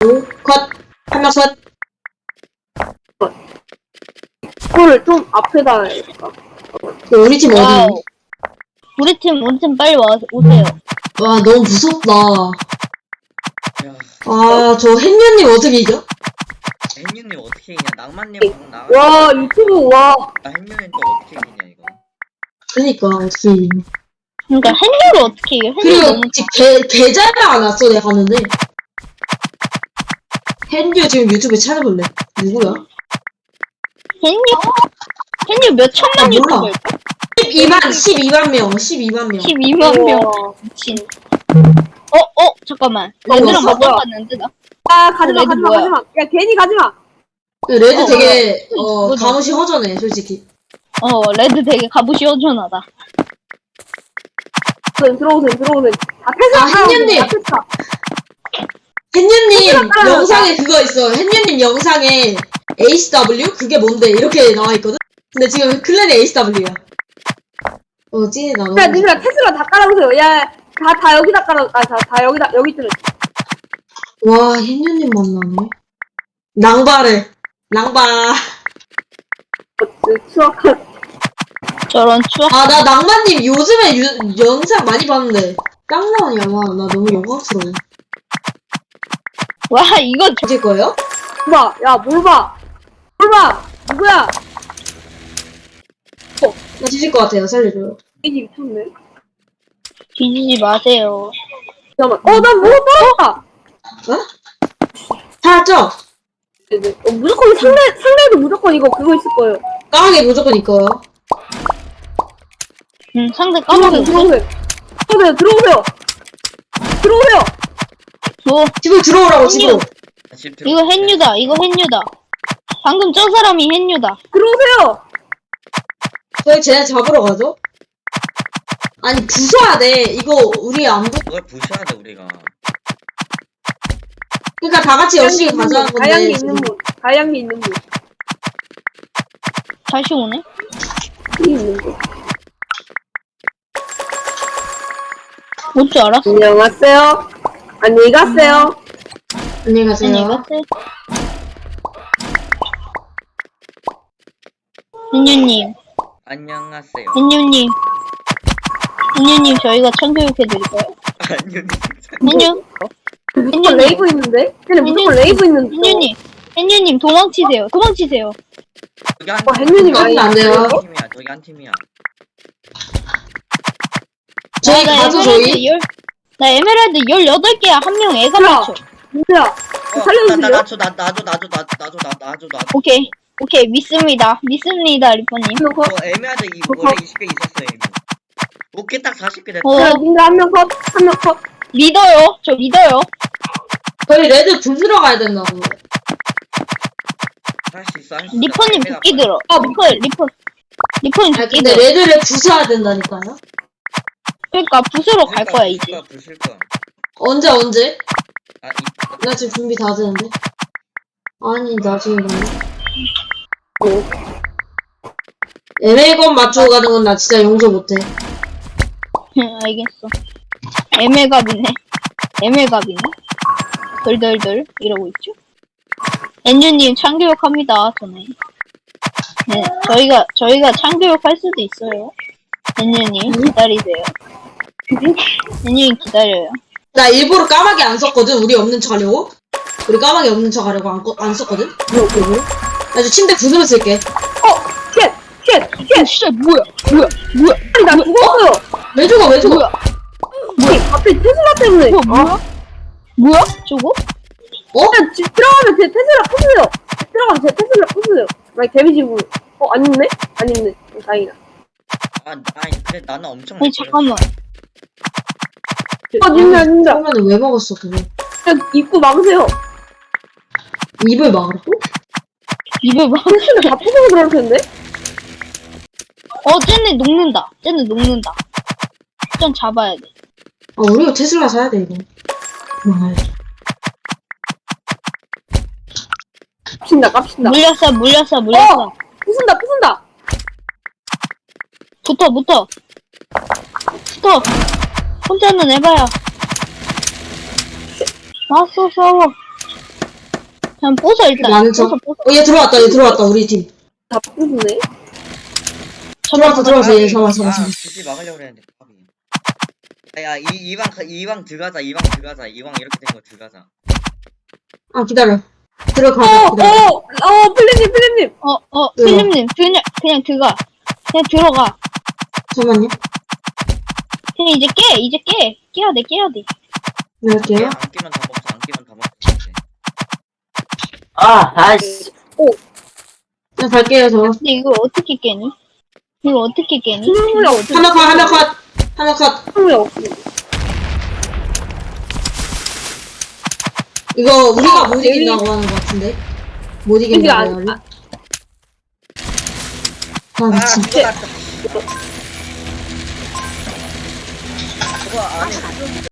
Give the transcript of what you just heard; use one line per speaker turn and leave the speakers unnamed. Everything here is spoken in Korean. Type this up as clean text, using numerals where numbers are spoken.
컷. 한 명 컷.
그거를 좀 앞에다 해야겠다.
우리 팀 어디?
와우. 우리 팀 빨리 오세요.
와, 너무 무섭다.
야,
아, 저 햇녀님 어떻게 이겨?
햇님님 어떻게 이기냐? 낭만님 방금 나가.
와, 유튜브, 와.
햇님은 또 어떻게 이기냐 이거.
그니까, 어떻게 이기냐.
그러니까 햇녀를 어떻게 이겨? 햇녀
그리고
너무
지금 계좌가 안 왔어, 내가 갔는데. 햇녀 지금 유튜브에 찾아볼래. 누구야?
햇녀 몇 천만
몰라.
유튜버일까?
12만 명, 12만 명.
12만 명.
우와.
미친. 잠깐만.
어,
레드랑
왔어?
바꿔봤는데 나.
야, 가지마,
레드
가지마,
뭐야?
가지마. 야, 괜히 가지마.
레드 되게,
뭐지?
감옷이 허전해, 솔직히.
레드 되게 갑옷이 허전하다.
들어오세요.
아, 햇녀님.
앞에서.
햇녀님
따라가자.
영상에 그거 있어. 햇녀님 영상에 ACW? 그게 뭔데? 이렇게 나와있거든? 근데 지금 클랜이 ACW야. 찐이 나눠.
야, 님들아, 테슬라 다 깔아보세요. 야, 다 여기다 깔아. 다 여기다, 여기 있잖아.
와, 햇녀님 만나네. 낭바.
추악한.
저런 추억.
아, 나 낭만님 요즘에 영상 많이 봤는데. 짱나원이야, 와. 나 너무 영광스러워.
와, 이거
이제 거예요?
봐, 야, 뭘 봐. 누구야?
나 뒤질 것 같아요. 살려줘요.
이게 미쳤네.
뒤지지 마세요.
잠깐만. 난 뭐가 떨어졌다.
살았죠?
네네. 무조건 상대도 무조건 그거 있을 거예요.
까마귀 무조건 있고요.
상대 까먹은 거.
들어오세요.
집으로 들어오라고, 집으로.
집
이거 햇뉴다. 방금 저 사람이 햇뉴다.
들어오세요.
저희 쟤네 잡으러 가죠? 아니, 부숴야 돼. 이거, 우리 안
그걸 부셔야 돼 우리가.
그러니까 다 같이 열심히 가자는 건데.
다양이 있는 분.
다시 오네?
있는 분.
올 줄 알았어.
안녕하세요. 안녕히 가세요.
안녕히 가세요.
안녕히 가세요. 햇뉴님,
안녕하세요.
햇뉴님 저희가 청교육해드릴까요?
햇님.
햇뉴?
무조건 레이브 있는데? 쟤네 무조건 레이브 있는데.
햇뉴님 도망치세요.
저기 한
햇님이
많이 안 돼요.
팀이야. 저기 한 팀이야.
저희 가죠, 저희?
나 에메랄드 18개야. 한 명 애가
야.
맞춰.
누구야? 살려주세요.
나줘.
오케이. 믿습니다, 리퍼님.
애매하다. 원래 20개 있었어 애매. 오케이 딱 40개 됐다.
어,
님들 한 명 컷.
리더요. 저 리더요.
저희 레드 부수러 가야 된다고.
할 수 있어.
리퍼님 도끼 들어. 리퍼님
아,
도끼
근데
들어.
레드를 부숴야 된다니까요?
그러니까 부수러 갈 거야, 이제.
부실 거야.
언제?
아,
나 지금 준비 다 되는데. 아니, 나 지금 애매건 맞추고 가는 건 나 진짜 용서 못해.
알겠어. 애매갑이네. 덜덜덜 이러고 있죠. 엔주님 참교육합니다. 전에. 네, 저희가 참교육할 수도 있어요. 엔주님 기다리세요. 엔주님 기다려요.
나 일부러 까마귀 안 썼거든, 우리 없는 척 하려고. 우리 까마귀 없는 척 하려고 안 썼거든? 나 이제 침대 부수면 쓸게.
쉣.
진짜 뭐야?
아니, 나 죽었어요.
왜 죽어?
갑자기 테슬라 때문에.
뭐야? 저거?
그냥 집 들어가면 제 테슬라 부수세요. 만약 데미지 부. 안 있네? 다행이다.
아니 근데 나는 엄청.
아니 잠깐만.
님들.
그러면은 왜 먹었어, 그거?
그냥 입구 막으세요.
입을 막으라고?
입을 막.
테슬라 다 부수고 들어올 텐데?
쟤네 녹는다. 좀 잡아야 돼.
아, 우리가 테슬라 사야 돼, 이거.
깝친다.
물렸어.
부순다.
붙어. 혼자는 해봐야. 왔어, 싸워. 그냥 부숴 일단.
많은 척.
부숴.
얘 들어왔다, 우리 팀.
다 부수네.
들어왔어, 얘 잡아.
굳이 막으려고 그랬는데. 야, 이왕 들어가자. 이왕 이렇게 된 거 들어가자.
아, 기다려. 들어가.
필리님.
필립님, 그냥 들어가. 그냥 들어가.
잠깐만요.
그냥 이제 깨. 깨야 돼.
네, 할게요.
안 끼면 다 먹자.
아이씨.
그냥 갈게요, 저.
근데 이걸 어떻게 깨니?
수능물이 없어.
하나 컷.
수능물이 없어.
이거 우리가 못 이긴다고 하는 것 같은데. 못 이긴다고
이게
해요. 아, 미친.
그거 났다. 그거 안에